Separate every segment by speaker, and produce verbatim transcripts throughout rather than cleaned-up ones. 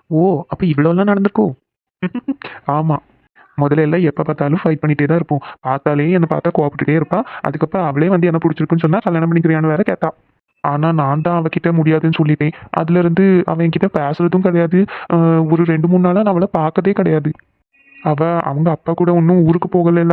Speaker 1: ஓ! அப்ப இவ்வளோலாம் நடந்திருக்கோ? ஆமா. முதல்ல எல்லாம் எப்ப பார்த்தாலும் ஃபைட் பண்ணிட்டே தான் இருப்போம். பார்த்தாலே என்ன பார்த்தா கோவப்பட்டுட்டே இருப்பா. அதுக்கப்புறம் அவளே வந்து என்ன புடிச்சிருக்குன்னு சொன்னா, கல்யாணம் பண்ணிக்கிறியான்னு வேற கேட்டா. ஆனா நான் தான் அவகிட்ட முடியாதுன்னு சொல்லிட்டேன். அதுலருந்து அவ என்கிட்ட பேசுறதும் கிடையாது. அ ஒரு ரெண்டு, மூணு நாளா நான் அவள பார்த்ததே கிடையாது. அவ அவங்க அப்பா கூட இன்னும் ஊருக்கு போகலல்ல.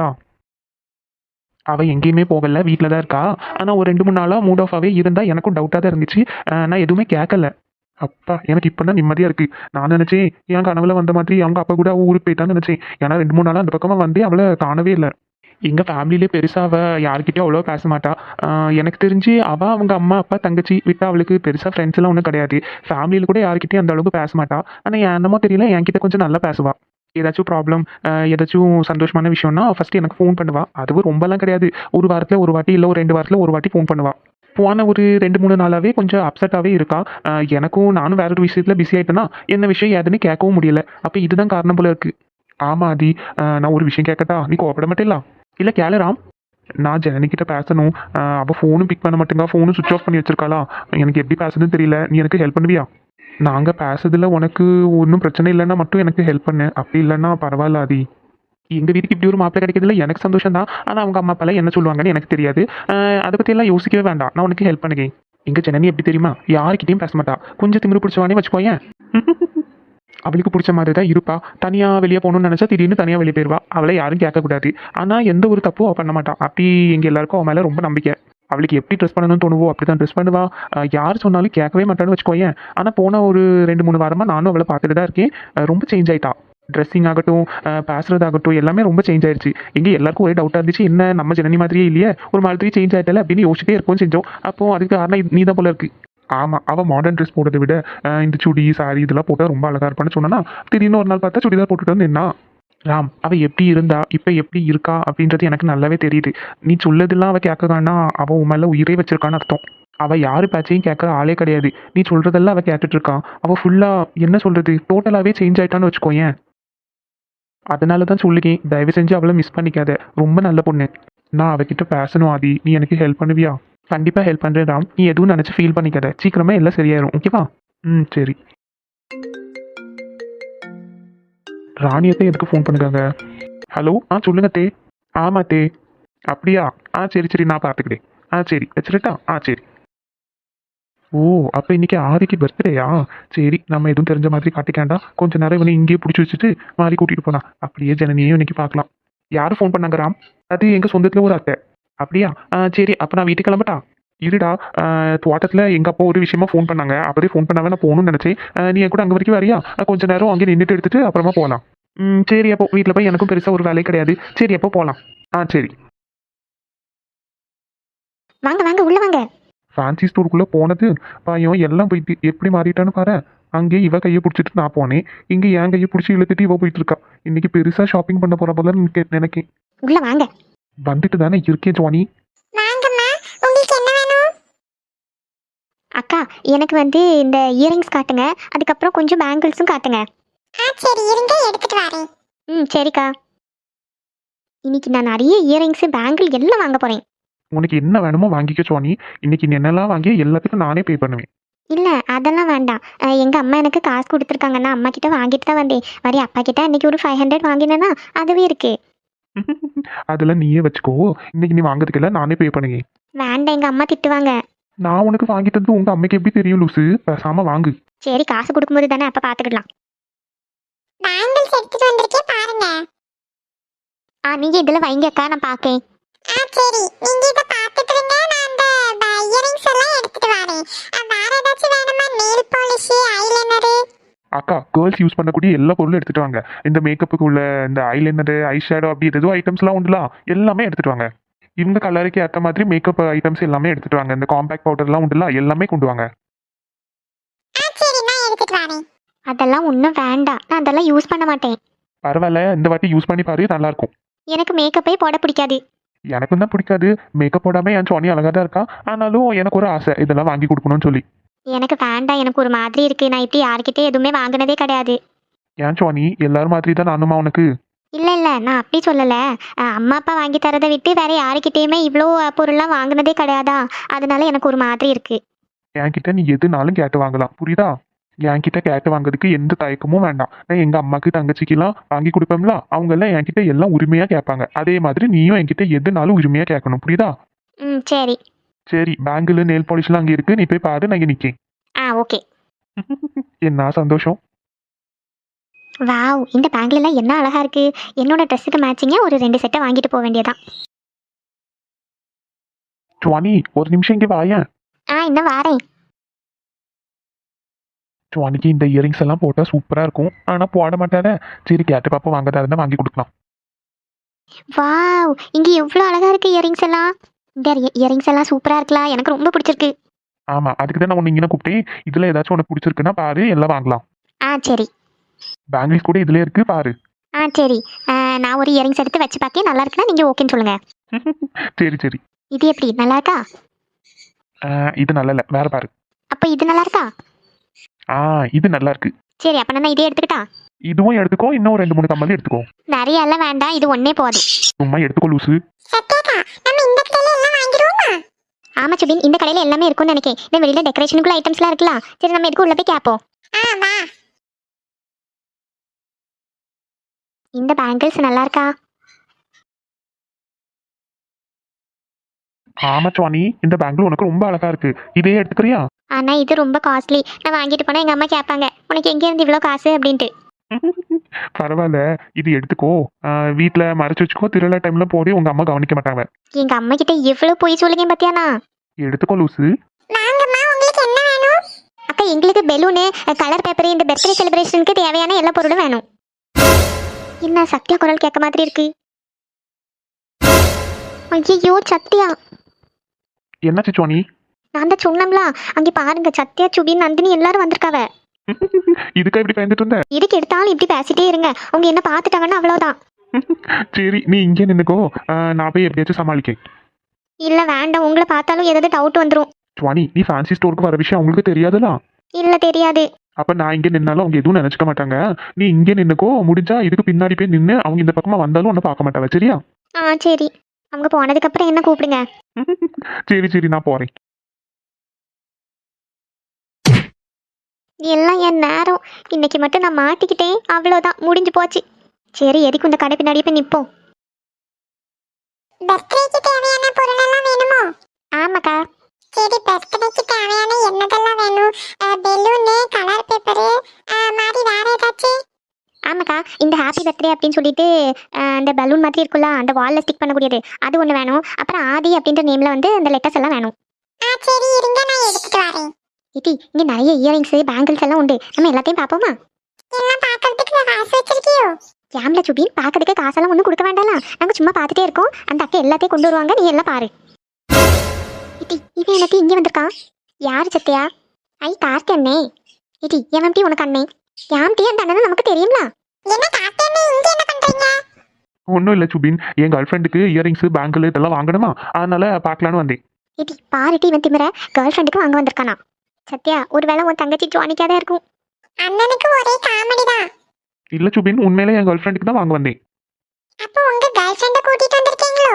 Speaker 1: அவ எங்கேயுமே போகல. வீட்ல தான் இருக்கா. ஆனா ஒரு ரெண்டு, மூணு நாளா மூட் ஆஃபாவே இருந்தா. எனக்கும் டவுட்டா தான் இருந்துச்சு. அ நான் எதுவுமே கேட்கல. அப்பா! எனக்கு இப்ப தான் நிம்மதியா இருக்கு. நான் நெனச்சேன், என் கனவுல வந்த மாதிரி அவங்க அப்பா கூட அவ ஊருக்கு போயிட்டான்னு நெனச்சேன். ஏன்னா ரெண்டு, மூணு நாளா அந்த பக்கமா வந்தே அவள காணவே இல்ல. எங்க ஃபேமிலிலே பெருசா அவ யார்கிட்டயும் அவ்வளவா பேச மாட்டா. அ எனக்கு தெரிஞ்சு அவ, அவங்க அம்மா, அப்பா, தங்கச்சி விட்டா அவளுக்கு பெருசா ஃப்ரெண்ட்ஸ்லாம் ஒண்ணும் கிடையாது. ஃபேமிலில கூட யார்கிட்டயும் அந்த அளவுக்கு பேச மாட்டா. ஆனா என்னமோ தெரியல என்கிட்ட கொஞ்சம் நல்லா பேசுவா. ஏதாச்சும் ப்ராப்ளம், அ ஏதாச்சும் சந்தோஷமான விஷயம்னா ஃபர்ஸ்ட்டு எனக்கு ஃபோன் பண்ணுவா. அதுவும் ரொம்பலாம் கிடையாது. ஒரு வாரத்துல ஒரு வாட்டி, இல்ல ஒரு ரெண்டு வாரத்துல ஒரு வாட்டி ஃபோன் பண்ணுவா. போன ஒரு ரெண்டு, மூணு நாளாவே கொஞ்சம் அப்செட்டாவே இருக்கா. அ எனக்கும் நானும் வேற ஒரு விஷயத்துல பிஸி ஆயிட்டேனா, என்ன விஷயம் ஏதுன்னு கேட்கவும் முடியல. அப்ப இதுதான் காரணம் போல இருக்கு. ஆமா ஆதி. அ நான் ஒரு விஷயம் கேட்கட்டா? நீ கோவப்பட மாட்டேல்ல? இல்ல கேளு ராம். நான் ஜனனிகிட்ட பேசணும். அ அவ ஃபோனும் பிக் பண்ண மாட்டேங்கா. ஃபோனும் ஸ்விட்ச் ஆஃப் பண்ணி வச்சிருக்காளா? எனக்கு எப்படி பேசுறதுன்னு தெரியல. நீ எனக்கு ஹெல்ப் பண்ணுவியா? நாங்க பேசுறதுல உனக்கு ஒண்ணும் பிரச்சனை இல்லன்னா மட்டும் எனக்கு ஹெல்ப் பண்ணு. அப்படி இல்லன்னா பரவால்ல ஆதி. எங்க வீட்டுக்கு இப்படி ஒரு மாப்பிள்ளை கிடைக்கிறதுல எனக்கு சந்தோஷம் தான். ஆனா அவங்க அம்மா அப்பாலாம் என்ன சொல்லுவாங்கன்னு எனக்கு தெரியாது. அ அத பத்தியெல்லாம் யோசிக்கவே வேண்டாம். நான் உனக்கு ஹெல்ப் பண்ணுகிறேன். எங்க ஜனனி எப்படி தெரியுமா? யார்கிட்டயும் பேச மாட்டா. கொஞ்சம் திமிரு பிடிச்சவானே வச்சுக்கோயேன். அவளுக்கு புடிச்ச மாதிரி தான் இருப்பா. தனியா வெளிய போணும்னு நெனச்சா திடீர்னு தனியா வெளிய போயிருவா. அவள யாரும் கேட்கக்கூடாது. ஆனா எந்த ஒரு தப்பும் அவ பண்ண மாட்டா. அப்படி எங்க எல்லாருக்கும் அவ மேல ரொம்ப நம்பிக்கை. அவளுக்கு எப்படி ட்ரெஸ் பண்ணணும்னு தோணுவோ அப்படிதான் ட்ரெஸ் பண்ணுவா. அ யார் சொன்னாலும் கேட்கவே மாட்டான்னு வச்சுக்கோயேன். ஆனா போன ஒரு ரெண்டு, மூணு வாரமா நானும் அவள பார்த்துட்டு தான் இருக்கேன். அ ரொம்ப சேஞ்ச் ஆயிட்டா. ட்ரெஸ்ஸிங் ஆகட்டும், அ பேசுறதாகட்டும் எல்லாமே ரொம்ப சேஞ்ச் ஆயிருச்சு. எங்க எல்லாருக்கும் ஒரே டவுட்டா இருந்துச்சு. என்ன நம்ம ஜனனி மாதிரியே இல்லையே! ஒரு மாதிரி சேஞ்ச் ஆயிட்டாலே அப்படின்னு யோசிச்சிட்டே இருக்கவும் செஞ்சோம். அப்போ அதுக்கு காரணம் நீ தான் போல இருக்கு. ஆமா. அவ மாடர்ன் ட்ரெஸ் போடுறத விட, அ இந்த சுடி, சாரி இதெல்லாம் போட்டா ரொம்ப அழகா இருப்பான்னு சொன்னானா, திடீர்னு ஒரு நாள் பார்த்தா சுடிதார் போட்டுட்டு வந்து நின்னா. ராம், அவ எப்படி இருந்தா, இப்ப எப்படி இருக்கா அப்படின்றது எனக்கு நல்லாவே தெரியுது. நீ சொல்லதெல்லாம் அவ கேட்கறான்னா, அவ உன் மேல உயிரே வச்சிருக்கான்னு அர்த்தம். அவ யாரு பேச்சையும் கேட்கற ஆளே கிடையாது. நீ சொல்றதெல்லாம் அவ கேட்டுட்டு இருக்கா. அவ ஃபுல்லா என்ன சொல்றது, டோட்டலாவே சேஞ்ச் ஆயிட்டான்னு வச்சுக்கோயேன். அதனால தான் சொல்லுகேன், தயவு செஞ்சு அவள மிஸ் பண்ணிக்காத. ரொம்ப நல்ல பொண்ணு. நான் அவகிட்ட பேசணும் ஆதி. நீ எனக்கு ஹெல்ப் பண்ணுவியா? கண்டிப்பா ஹெல்ப் பண்றேன் ராம். நீ எதுவும் நினைச்சு ஃபீல் பண்ணிக்காத. சீக்கிரமே எல்லாம் சரியாயிரும். ஓகேவா? ம் சரி. ராணி அத்தை எதுக்கு ஃபோன் பண்ணுறாங்க? ஹலோ ஆ சொல்லுங்க தே. ஆமா தே. அப்படியா? ஆ சரி சரி நான் பார்த்துக்கிறேன். ஆ சரி வச்சிரட்டா? ஆ சரி. ஓ! அப்ப இன்னைக்கு ஆதிக்கு பர்த்டேயா? சரி நம்ம எதுவும் தெரிஞ்ச மாதிரி காட்டிக்க கொஞ்ச நேரம் இவனை இங்கேயே புடிச்சு வச்சுட்டு மாறி கூட்டிட்டு போலாம். அப்படியே ஜனனியையும் இன்னைக்கு பார்க்கலாம். யாரு ஃபோன் பண்ணாங்க ராம்? அது எங்க சொந்தத்துல ஒரு அத்தை. அப்படியா? ஆ சரி அப்ப நான் வீட்டுக்கு கிளம்பட்டா? இருடா. அ தோட்டத்துல எங்க அப்பா ஒரு விஷயமா ஃபோன் பண்ணாங்க. அப்பவே ஃபோன் பண்ணாம நான் போகணும்னு நெனச்சேன். அ நீ என் கூட அங்க வரைக்கும் வரியா? அ கொஞ்ச நேரம் அங்கே நின்னுட்டு எடுத்துட்டு அப்புறமா போலாம். ம் சரி அப்போ வீட்ல போய் எனக்கும் பெருசா ஒரு வேலை கிடையாது. சரி அப்போ போலாம். ஆ சரி.
Speaker 2: வாங்க வாங்க உள்ள வாங்க.
Speaker 1: ஃபேன்சி ஸ்டோருக்குள்ள போனது, பயம் எல்லாம் போயிட்டு எப்படி மாறிட்டான்னு பாரேன். அங்கே இவ கைய புடிச்சிட்டு நான் போனேன். இங்க என் கைய புடிச்சு இழுத்துட்டு இவ போயிட்டு இருக்கா. இன்னைக்கு பெருசா ஷாப்பிங் பண்ண போறா போலன்னு நினைக்க- நினைக்கேன்.
Speaker 2: உள்ள வாங்க.
Speaker 1: வந்துட்டு தானே இருக்கேன் ஜானி.
Speaker 2: வாங்கம்மா. உங்களுக்கு என்ன வேணும்? அக்கா, எனக்கு வந்து இந்த இயரிங்ஸ் காட்டுங்க. அதுக்கப்புறம் கொஞ்சம் பேங்கிள்ஸும் காட்டுங்க. ஆ சரி இருங்க எடுத்துட்டு வரேன். ம் சரிக்கா. இன்னைக்கு நான் நிறைய இயரிங்ஸ் பேங்கிள் எல்லாம் வாங்க போறேன்.
Speaker 1: உனக்கு என்ன வேணுமோ வாங்கிக்க ஜானி. இன்னைக்கு நீ என்னெல்லாம் வாங்கி எல்லாத்துக்கும் நானே பே பண்ணுவேன்.
Speaker 2: இல்ல அதெல்லாம் வேண்டாம். அ, எங்க அம்மா எனக்கு காசு கொடுத்துருக்காங்க. நான் அம்மா கிட்ட வாங்கிட்டு தான் வந்தேன். வரி அப்பா கிட்ட அன்னைக்கு ஒரு ஃபைவ் ஹண்ட்ரட் வாங்கினேன்னா அதுவே இருக்கு.
Speaker 1: அதெல்லாம் நீயே வச்சுக்கோ. இன்னைக்கு நீ வாங்குறதுக்கு எல்லாம் நானே பே பண்ணுவேன்.
Speaker 2: வேண்டாம், எங்க அம்மா திட்டுவாங்க.
Speaker 1: நான் உனக்கு வாங்கி தந்தது உங்க அம்மைக்கு எப்படி தெரியும் லூசு? பேசாம வாங்கு.
Speaker 2: சரி காசு கொடுக்கும்போது தானே அப்ப பாத்துக்கலாம். பேங்கிள்ஸ் எடுத்துட்டு வந்திருக்கேன் பாருங்க. ஆ நீங்க இதுல வைங்க அக்கா, நான் பாக்கேன். ஆ சரி நீங்க இத பாத்துட்டு இருங்க. நான் அந்த இயரிங்ஸ் எல்லாம் எடுத்துட்டு வரேன். வேற ஏதாச்சும் வேணுமா? Nail polish, eyeliner.
Speaker 1: அக்கா கேர்ள்ஸ் யூஸ் பண்ணக்கூடிய எல்லா பொருளும் எடுத்துட்டு வாங்க. இந்த மேக்கப்புக்கு உள்ள இந்த ஐலைனர், ஐ ஷேடோ அப்படி ஏதோ ஐட்டம்ஸ்லாம் உண்டுல எல்லாமே எடுத்துட்டு வாங்க. இவங்க கலருக்கு ஏற்ற மாதிரி மேக்கப் ஐட்டம்ஸ் எல்லாமே எடுத்துட்டு வாங்க. இந்த காம்பேக்ட் பவுடர்லாம் உண்டுல எல்லாமே கொண்டு வாங்க.
Speaker 2: ஆ சரி நான் எடுத்துட்டு வரேன். அதெல்லாம் ஒன்றும் வேண்டாம். நான் அதெல்லாம் யூஸ் பண்ண மாட்டேன்.
Speaker 1: பரவாயில்ல இந்த வாட்டி யூஸ் பண்ணி பாரு நல்லா இருக்கும்.
Speaker 2: எனக்கு மேக்கப்பே போட பிடிக்காது.
Speaker 1: எனக்கும் தான் பிடிக்காது. மேக்கப் போடாம என் சோனி அழகா தான் இருக்கா. ஆனாலும் எனக்கு ஒரு ஆசை இதெல்லாம் வாங்கி கொடுக்கணும்னு சொல்லி.
Speaker 2: எனக்கு வேண்டாம். எனக்கு ஒரு மாதிரி இருக்கு. நான் இப்படி யார்கிட்டயும் எதுவுமே வாங்கினதே கிடையாது.
Speaker 1: ஏன் சோனி எல்லாரும் மாதிரி தான் நானுமா உனக்கு?
Speaker 2: இல்ல இல்ல நான் அப்படி சொல்லல. அஹ், அம்மா அப்பா வாங்கி தரதை விட்டு வேற யாருக்கிட்டயுமே இவ்வளோ பொருள்லாம் வாங்கினதே கிடையாதா. அதனால எனக்கு ஒரு மாதிரி இருக்கு.
Speaker 1: என்கிட்ட நீ எதுனாலும் கேட்டு வாங்கலாம் புரியுதா? என்கிட்ட கேட்டு வாங்குறதுக்கு எந்த தயக்கமும் வேண்டாம். நான் எங்க அம்மாக்கு தங்கச்சிக்கெல்லாம் வாங்கி கொடுப்பேன்ல, அவங்க எல்லாம் என்கிட்ட எல்லாம் உரிமையா கேட்பாங்க. அதே மாதிரி நீயும் என்கிட்ட எதுனாலும் உரிமையா கேட்கணும், புரியுதா?
Speaker 2: ம் சரி.
Speaker 1: சரி, பேங்கிள் நெயில் பாலிஷ்லாம் அங்கே இருக்கு, நீ போய் பாரு, நான் இங்க நிக்கேன்.
Speaker 2: ஆ ஓகே.
Speaker 1: என்ன சந்தோஷம்.
Speaker 2: வாவ், இந்த பேங்கிள் எல்லாம் என்ன அழகா இருக்கு. என்னோட ட்ரெஸ்ஸுக்கு மேட்சிங்கா ஒரு ரெண்டு செட்டை வாங்கிட்டு போக வேண்டியதான்.
Speaker 1: சுவானி, ஒரு நிமிஷம் இங்கே வாயேன்.
Speaker 2: ஆ இன்னும் வாரேன்.
Speaker 1: சுவானிக்கு இந்த இயரிங்ஸ் எல்லாம் போட்டா சூப்பரா இருக்கும், ஆனா போட மாட்டாத. சரி, கேட்டு பாப்பா வாங்கதா இருந்தா வாங்கி கொடுக்கலாம்.
Speaker 2: வாவ், இங்க எவ்வளோ அழகா இருக்கு இயரிங்ஸ் எல்லாம். இந்த இயரிங்ஸ் எல்லாம் சூப்பரா இருக்கலாம், எனக்கு ரொம்ப பிடிச்சிருக்கு.
Speaker 1: ஆமா, அதுக்கு தான் நான் உன்னை இங்கே கூப்பிட்டேன். இதுல ஏதாச்சும் உனக்கு பிடிச்சிருக்குன்னா பாரு, எல்லாம் வாங்கலாம்.
Speaker 2: ஆ சரி.
Speaker 1: பேங்கிள்ஸ் கூட இதுல இருக்கு, பாரு.
Speaker 2: ஆ சரி. ஆ, நான் ஒரு இயரிங்ஸ் எடுத்து வச்சு பார்க்கேன், நல்லா இருக்குன்னா நீங்க ஓகேன்னு சொல்லுங்க.
Speaker 1: சரி சரி.
Speaker 2: இது எப்படி, நல்லா இருக்கா?
Speaker 1: ஆ, இது நல்லா இல்ல, வேற பாரு.
Speaker 2: அப்ப இது நல்லா இருக்கா?
Speaker 1: ஆ, இது நல்லா இருக்கு.
Speaker 2: சரி, அப்ப நான் இதே எடுத்துக்கிட்டா?
Speaker 1: இதுவும் எடுத்துக்கோ, இன்னும் ரெண்டு மூணு கம்மல் எடுத்துக்கோ.
Speaker 2: நிறைய எல்லாம் வேண்டாம், இது ஒன்னே போதும்.
Speaker 1: சும்மா எடுத்துக்கோ லூசு.
Speaker 2: ஆமா சுபின், இந்த கடையில எல்லாமே இருக்கும்னு நினைக்கிறேன். இந்த வெளியில டெக்கரேஷனுக்குள்ள ஐட்டம்ஸ்லாம் இருக்கலாம். சரி, நம்ம எதுக்கு உள்ள போய் கேட்போம். இந்த பேங்கிள்ஸ் நல்லா இருக்கா?
Speaker 1: ஆமா சுவானி, இந்த பேங்கிள் உனக்கு ரொம்ப அழகா இருக்கு, இதே எடுத்துக்கிறியா?
Speaker 2: ஆனா இது ரொம்ப காஸ்ட்லி, நான் வாங்கிட்டு போனா எங்க அம்மா கேட்பாங்க, உனக்கு எங்க இருந்து இவ்வளோ காசு அப்படின்ட்டு.
Speaker 1: பரவாயில்ல, இது எடுத்துக்கோ. வீட்டுல மறைச்சு வச்சுக்கோ, திருவிழா டைம்ல போடி, உங்க அம்மா கவனிக்க மாட்டாங்க.
Speaker 2: எங்க அம்மா கிட்ட எவ்வளவு போய் சொல்லுங்க பாத்தியானா.
Speaker 1: எடுத்துக்கோ லூசு.
Speaker 2: அக்கா, எங்களுக்கு பெலூனு, கலர் பேப்பர், இந்த பர்த்டே செலிப்ரேஷனுக்கு தேவையான எல்லா பொருளும் வேணும். என்ன சத்யா குரல் கேட்க மாதிரி இருக்கு. ஐயோ சத்யா.
Speaker 1: என்னாச்சு சுவானி?
Speaker 2: நான் தான் சொன்னோம்ல, அங்கே பாருங்க, சத்யா, சுபின், நந்தினி எல்லாரும் வந்திருக்காவ.
Speaker 1: இதுக்கா இப்படி பயந்துட்டு இருந்த?
Speaker 2: இதுக்கு எடுத்தாலும் இப்படி பேசிட்டே இருங்க, அவங்க என்ன பார்த்துட்டாங்கன்னா அவ்வளவுதான்.
Speaker 1: சரி, நீ இங்கே நின்னுக்கோ, நான் போய் எப்படியாச்சும் சமாளிக்கேன்.
Speaker 2: இல்ல வேண்டாம், உங்களை பார்த்தாலும் ஏதாவது டவுட் வந்துடும்.
Speaker 1: சுவானி, நீ ஃபேன்சி ஸ்டோருக்கு வர விஷயம் அவங்களுக்கு தெரியாதுல?
Speaker 2: இல்ல தெரியாது.
Speaker 1: அப்ப நான் இங்கே நின்னாலும் அவங்க எதுவும் நினைச்சுக்க மாட்டாங்க. நீ இங்கே நின்னுக்கோ, முடிஞ்சா இதுக்கு பின்னாடி போய் நின்று அவங்க இந்த பக்கமா வந்தாலும் ஒன்னும் பார்க்க மாட்டாங்க, சரியா?
Speaker 2: ஆ சரி. அவங்க போனதுக்கு அப்புறம் என்ன கூப்பிடுங்க.
Speaker 1: சரி சரி, நான் போறேன்.
Speaker 2: எல்லாம் என் நேரம், இன்னைக்கு மட்டும் நான் மாட்டிக்கிட்டேன், அவ்வளோதான், முடிஞ்சு போச்சு. சரி, எதுக்கு இந்த கடை பின்னாடி போய் நிற்போம். பர்த்டேக்கு தேவையான பொருள் எல்லாம் வேணுமோ? ஆமாக்கா. சரி, பர்த்டேக்கு தேவையான என்னதெல்லாம் வேணும்? பெலூனு, கலர் பேப்பரு, மாதிரி வேற ஏதாச்சும்? ஆமாக்கா, இந்த ஹாப்பி பர்த்டே அப்படின்னு சொல்லிட்டு அந்த பலூன் மாதிரி இருக்குல்ல, அந்த வாலில் ஸ்டிக் பண்ணக்கூடியது, அது ஒன்று வேணும். அப்புறம் ஆதி அப்படின்ற நேமில் வந்து அந்த லெட்டர்ஸ் எல்லாம் வேணும். ஆ சரி, இருங்க, நான் எடுத்துட்டு வரேன். இட்டி, இங்கே நிறைய இயரிங்ஸ், பேங்கிள்ஸ் எல்லாம் உண்டு, நம்ம எல்லாத்தையும் பார்ப்போமா? எல்லாம் பார்க்கறதுக்கு காசு வச்சிருக்கியோ? கேம்ல சுபின், பார்க்கறதுக்கு காசெல்லாம் ஒன்றும் கொடுக்க வேண்டாம், நாங்கள் சும்மா பார்த்துட்டே இருக்கோம். அந்த அக்கா எல்லாத்தையும் கொண்டு வருவாங்க, நீ எல்லாம் பாரு. இட்டி, இவன் எனக்கு இங்கே வந்திருக்கான். யார் சத்யா? ஐ கார்த்தி அண்ணே. இட்டி, எவன் டீ உனக்கு அண்ணே? யாம் டீ அந்த அண்ணன் நமக்கு தெரியுங்களா? என்ன கார்த்தி அண்ணே, இங்கே என்ன பண்றீங்க?
Speaker 1: ஒன்றும் இல்லை சுபின், என் கேர்ள் ஃப்ரெண்டுக்கு இயரிங்ஸ், பேங்கிள் இதெல்லாம் வாங்கணுமா, அதனால பார்க்கலான்னு வந்தேன்.
Speaker 2: இட்டி பாரு, டி இவன் திமிர கேர்ள் ஃப்ரெண்டுக்கு வாங்க வந்திருக்கானா? சத்யா, ஒருவேளை உன் தங்கச்சி ஜானிக்காக தான் இருக்கும். அண்ணனுக்கு ஒரே காமெடி தான்.
Speaker 1: இல்ல சுபின், உண்மையிலே என் கேர்ள் ஃப்ரெண்டுக்கு தான் வாங்க வந்தேன்.
Speaker 2: அப்போ உங்க கேர்ள் ஃப்ரெண்ட கூட்டிட்டு வந்திருக்கீங்களோ?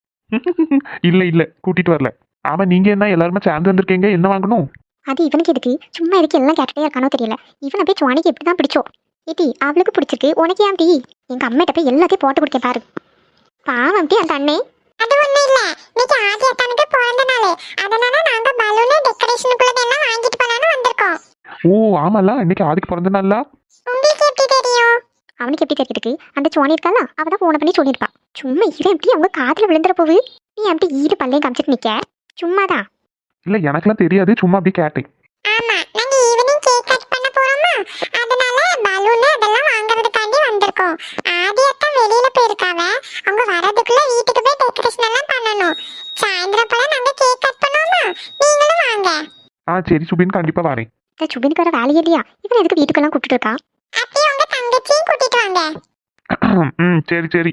Speaker 1: இல்ல இல்ல, கூட்டிட்டு வரல. ஆமா, நீங்க என்ன எல்லாருமே சேர்ந்து வந்திருக்கீங்க, என்ன வாங்கணும்?
Speaker 2: அது இவனுக்கு எதுக்கு, சும்மா எதுக்கு எல்லாம் கேட்டுட்டே இருக்கானோ தெரியல. இவனை போய் ஜானிக்கு எப்படி தான் பிடிச்சோ. ஏட்டி, அவளுக்கு பிடிச்சிருக்கு, உனக்கு ஏன் டீ? எங்க அம்மிட்ட போய் எல்லாத்தையும் போட்டு கொடுக்க பாரு. பாவம் டீ அந்த அண்ணே. அது ஒண்ணும் இல்ல, இன்னைக்கு ஆதி அத்தானுக்கு பிறந்த நாள், அதனால நாங்க பலூன் டெக்கரேஷனுக்குள்ளதெல்லாம் வாங்கிட்டு போலான்னு வந்திருக்கோம்.
Speaker 1: ஓ ஆமால, இன்னைக்கு ஆதிக்கு பிறந்த நாளா?
Speaker 2: உங்களுக்கு எப்படி தெரியும்? அவனுக்கு எப்படி தெரியுதுக்கு, அந்த சோனி இருக்கால, அவ தான் போன பண்ணி சொல்லியிருப்பான். சும்மா இவன் எப்படி அவங்க காதுல விழுந்துற போகுது. நீ எப்படி ஈடு பல்லையும் காமிச்சிட்டு நிக்க? சும்மாதான்.
Speaker 1: இல்ல, எனக்குலாம் தெரியாது, சும்மா அப்படி கேட்டேன்.
Speaker 2: ஆமா, நாங்க ஈவினிங் கேக் கட் பண்ண போறோமா, அதனால பலூன் அதெல்லாம் வாங்குறதுக்காண்டி வந்திருக்கோம். ஆதி அத்தா வெளியில போயிருக்காவ, அவங்க வரதுக்குள்ள வீட்டுக்கு போய் டெக்கரேஷன் எல்லாம் பண்ணணும். சாயந்தரம் போல நாங்க கேக் கட் பண்ணுவோமா, நீங்களும் வாங்க.
Speaker 1: ஆ சரி சுபின், கண்டிப்பா வரேன்.
Speaker 2: இந்த சுபினுக்கு வர வேலையே இல்லையா, இவன் எதுக்கு வீட்டுக்கெல்லாம் கூப்பிட்டு இருக்கா? அப்படியே உங்க தங்கச்சியும் கூட்டிட்டு வாங்க.
Speaker 1: ம் சரி சரி.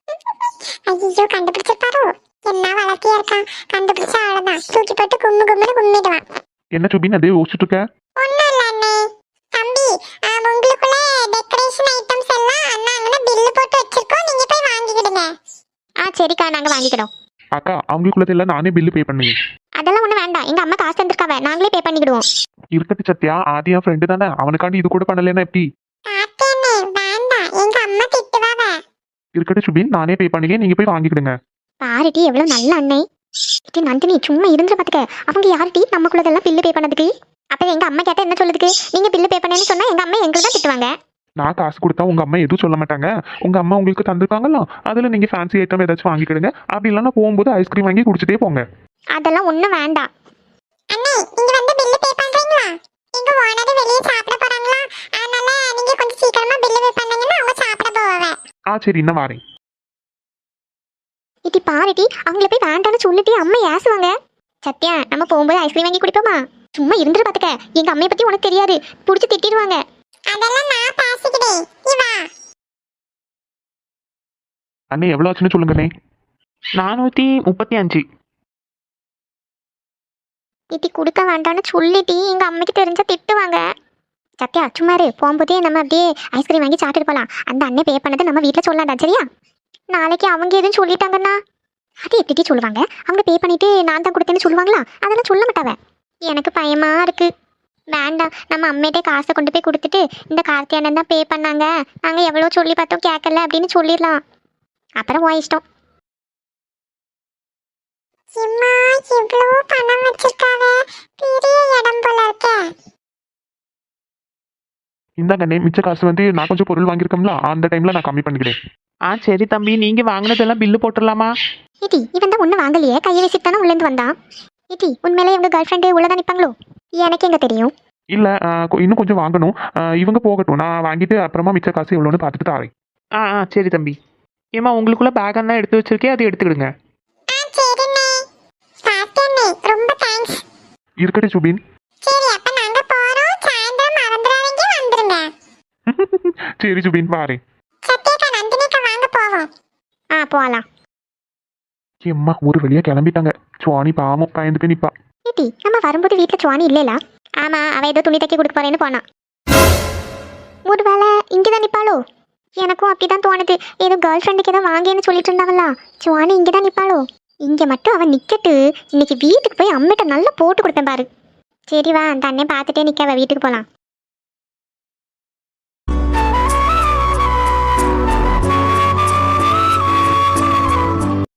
Speaker 2: ஐயோ, கண்டுபிடிச்சிருப்பாரோ? என்ன வளர்த்தியா இருக்கான், கண்டுபிடிச்சா அவ்வளவுதான், தூக்கி போட்டு கும்மு கும்முன்னு கும்மிடுவான்.
Speaker 1: என்ன சுபின், அதே யோசிச்சுட்டு இருக்க?
Speaker 2: ஒண்ணும் இல்ல அண்ணே. தம்பி, உங்களுக்குள்ள டெக்கரேஷன் ஐட்டம்ஸ் எல்லாம் அண்ணா அங்கே பில்லு போட்டு வச்சிருக்கோம், நீங்க போய் வாங்கிக்கிடுங்க. ஆ சரிக்கா, நாங்க வாங்கிக்கிறோம்.
Speaker 1: அக்கா அவங்களுக்குள்ளது எல்லாம் நானே பில்லு பே பண்ணுவேன்.
Speaker 2: அதெல்லாம் ஒண்ணு வேண்டாம், எங்க அம்மா காசு தந்திருக்காவ, நாங்களே பே பண்ணிக்கிடுவோம்.
Speaker 1: இருக்கட்டு சத்யா, ஆதி என் ஃப்ரெண்டு தானே, அவனுக்காண்டி இது கூட பண்ணலன்னா எப்படி?
Speaker 2: வேண்டாம், எங்க அம்மா திட்டுவாவ.
Speaker 1: இருக்கட்டு சுபின், நானே பே பண்ணிக்கேன், நீங்க போய் வாங்கிக்கிடுங்க.
Speaker 2: பாருடி எவ்வளவு நல்ல அண்ணே. டி நந்தினி சும்மா இருந்து பாத்துக்க, அவங்க யாருடி நமக்குள்ளதெல்லாம் பில்லு பே பண்ணதுக்கு? அப்ப எங்க அம்மா கேட்டா என்ன சொல்லுதுக்கு? நீங்க பில்லு பே பண்ணேன்னு சொன்னா எங்க அம்மா எங்களுக்கு தான் திட்டுவாங்க.
Speaker 1: நான் காசு கொடுத்தா உங்க அம்மா எதுவும் சொல்ல மாட்டாங்க. உங்க அம்மா உங்களுக்கு தந்திருக்காங்களா, அதுல நீங்க ஃபேன்சி ஐட்டம் ஏதாச்சும் வாங்கிக்கிடுங்க. அப்படி இல்லைன்னா போகும்போது ஐஸ்கிரீம் வாங்கி குடிச்சிட்டே போங்க.
Speaker 2: அதெல்லாம் ஒண்ணும் வேண்டாம். அண்ணே இங்க வந்து பில்லு பே பண்றீங்களா? எங்க ஓனர் வெளிய சாப்பிட போறாங்களா, அதனால நீங்க கொஞ்சம் சீக்கிரமா பில்லு பே பண்ணீங்கன்னா அவங்க சாப்பிட போவாங்க.
Speaker 1: ஆ சரி, இன்னும் வாரேன்.
Speaker 2: இடி பாருடி, அவங்கள போய் வேண்டான்னு சொல்லிட்டு அம்மா ஏசுவாங்க. சத்யா, நம்ம போகும்போது ஐஸ்கிரீம் வாங்கி குடிப்போமா? சும்மா இருந்துட்டு பாத்துக்க, எங்க அம்மைய பத்தி உனக்கு தெரியாது, புடிச்சு திட்டிடுவாங்க. அதெல்லாம் நான் பேசிக்கிறேன், நீ வா.
Speaker 1: அண்ணே எவ்வளோ ஆச்சுன்னு சொல்லுங்கண்ணே. நானூற்றி முப்பத்தி அஞ்சு.
Speaker 2: இடி கொடுக்க வேண்டான்னு சொல்லிட்டு எங்க அம்மைக்கு தெரிஞ்சா திட்டுவாங்க. சத்யா சும்மா இரு, போகும்போதே நம்ம அப்படியே ஐஸ்கிரீம் வாங்கி சாப்பிட்டு போலாம். அந்த அண்ணன் பே பண்ணதை நம்ம வீட்டில் சொல்லலாம்டா, சரியா? நாளைக்கு அவங்க எதுவும் சொல்லிட்டாங்கன்னா அது எப்படி சொல்லுவாங்க? அவங்க பே பண்ணிட்டு நான் தான் கொடுத்தேன்னு சொல்லுவாங்களா? அதெல்லாம் சொல்ல மாட்டாவ. எனக்கு பயமா இருக்கு. வேண்டாம், நம்ம அம்மையிட்டே காசை கொண்டு போய் கொடுத்துட்டு இந்த கார்த்தி அண்ணன் தான் பே பண்ணாங்க, நாங்கள் எவ்வளோ சொல்லி பார்த்தோம் கேட்கல அப்படின்னு சொல்லிடலாம். அப்புறம் ஓ இஷ்டம். பணம் வச்சிருக்காவே, பெரிய இடம் போல இருக்க.
Speaker 1: இந்தாங்கண்ணே, மிச்ச காசு வந்து நான் கொஞ்சம் பொருள் வாங்கியிருக்கோம்ல, அந்த டைம்ல நான் கம்மி பண்ணிக்கிறேன்.
Speaker 3: ஆ சரி தம்பி, நீங்க வாங்கினதெல்லாம் பில்லு போட்டுடலாமா?
Speaker 2: இடி இவன் தான் ஒன்றும் வாங்கலையே, கையை வச்சுட்டு தானே உள்ளேருந்து வந்தான். இடி உண்மையிலே இவங்க கேர்ள் ஃப்ரெண்டு உள்ளதான் நிற்பாங்களோ? எனக்கு எங்க தெரியும்.
Speaker 1: இல்ல ஆ, கொ- இன்னும் கொஞ்சம் வாங்கணும். ஆ, இவங்க போகட்டும், நான் வாங்கிட்டு அப்புறமா மிச்ச காசு எவ்வளோன்னு பார்த்துட்டு தாரேன்.
Speaker 3: ஆ ஆ சரி தம்பி. ஏமா உங்களுக்குள்ள பேக் எல்லாம் எடுத்து வச்சிருக்கேன், அதை எடுத்துக்கிடுங்க.
Speaker 2: ரொம்ப தேங்க்ஸ்.
Speaker 1: இருக்கட்டும் சுபின்.
Speaker 2: சரி அப்ப நாங்க போறோம், சாயந்தரம் மறந்துடாதீங்க வந்துருங்க.
Speaker 1: சரி சுபின், வாரேன்.
Speaker 2: சத்யாக்கா நந்தினிக்கா வாங்க போவோம். ஆ போலாம்.
Speaker 1: எம்மா ஒரு வழியா கிளம்பிட்டாங்க. சுவாணி பாவம் பயந்து போய் நிப்பா.
Speaker 2: ஏடி நம்ம வரும்போது வீட்டுல சுவாணி இல்லைல? ஆமா, அவ ஏதோ துணி தைக்க கொடுக்க போறேன்னு போனா. ஒருவேளை இங்கதான் நிப்பாளோ? எனக்கும் அப்படிதான் தோணுது. ஏதோ கேர்ள் ஃப்ரெண்டுக்கு ஏதோ வாங்கன்னு சொல்லிட்டு இருந்தாவல்ல, சுவாணி இங்கதான் நிப்பாளோ? இங்க மட்டும் அவன் நிக்கட்டு, இன்னைக்கு வீட்டுக்கு போய் அம்மிட்ட நல்லா போட்டு கொடுப்பேன் பாரு. சரி வா, அந்த அண்ணன் பார்த்துட்டே நிக்க, அவ வீட்டுக்கு போலாம்.